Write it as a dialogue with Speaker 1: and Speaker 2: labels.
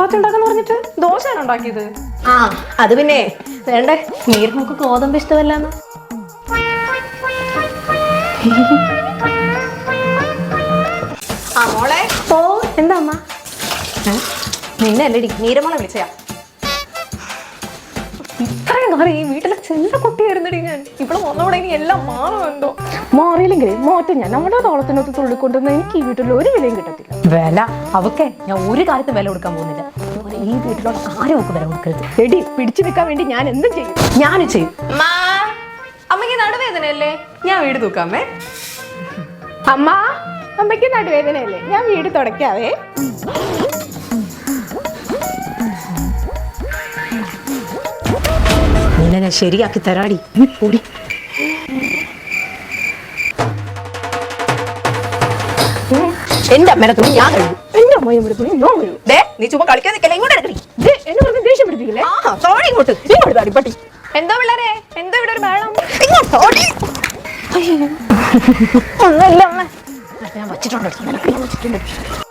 Speaker 1: ചപ്പാത്തി ഉണ്ടാക്കാന്ന് പറഞ്ഞിട്ട് ദോശയാണ് ഉണ്ടാക്കിയത്.
Speaker 2: ആ അത് പിന്നെ വേണ്ടേ, നീർമോക്ക് ഗോതമ്പ് ഇഷ്ടമല്ലാന്ന്.
Speaker 1: ആ മോളെ.
Speaker 2: ഓ എന്താ അമ്മ?
Speaker 1: നിന്നെ അല്ലേടി നീരമോളെ വിളിച്ചയാ. ഇത്രയും കാലം ഈ വീട്ടിലെ ചെല്ല കുട്ടിയായിരുന്നടി ഞാൻ. ഇവിടെ വന്നോടെ ഇനി എല്ലാം മാറുമെന്തോ.
Speaker 2: മാറിയില്ലെങ്കിൽ മാറ്റം ഞാൻ നമ്മുടെ തോളത്തിനൊത്ത് തുള്ളിക്കൊണ്ടുവന്ന് എനിക്ക് ഈ വീട്ടിൽ ഒരു വിലയും കിട്ടത്തില്ല.
Speaker 1: വില അവക്കെ ഞാൻ ഒരു കാലത്ത് വില കൊടുക്കാൻ പോകുന്നില്ല. ഈ വീട്ടിലുള്ള ആരും ഒക്കെ വില കൊടുക്കരുത്.
Speaker 2: എടി പിടിച്ചു നിൽക്കാൻ വേണ്ടി ഞാൻ എന്തും ചെയ്യും.
Speaker 1: ഞാനും ചെയ്യും. അമ്മയ്ക്ക് നടുവേദനയല്ലേ? ഞാൻ വീട് തൂക്കാമേ.
Speaker 2: അമ്മ, അമ്മയ്ക്ക് നടുവേദനയല്ലേ? ഞാൻ വീട് തുടയ്ക്കാവേ.
Speaker 1: നിന്നെ ഞാൻ ശരിയാക്കി തരാടി. ഓടി. എന്റെ അമ്മേനെ തുണി ഞാൻ കഴിയും.
Speaker 2: എന്റെ അമ്മയുടെ തുണി ഞാൻ കഴിയും.
Speaker 1: നീ ചുമ്മാ കളിക്കാൻ നിൽക്കല്ലേ, ഇങ്ങോട്ട് എടുക്കടി.
Speaker 2: എന്നെ പറഞ്ഞ് ദേഷ്യം പിടിപ്പിക്കില്ലേ?
Speaker 1: ഇങ്ങോട്ട്
Speaker 2: ഇങ്ങോട്ട് താടി പട്ടി.
Speaker 1: എന്തോ പിള്ളേരെ, എന്തോ ഇവിടെ ഒരു ബഹളം.
Speaker 2: ഒന്നുമില്ല അമ്മ.
Speaker 1: ഞാൻ വച്ചിട്ടുണ്ട്.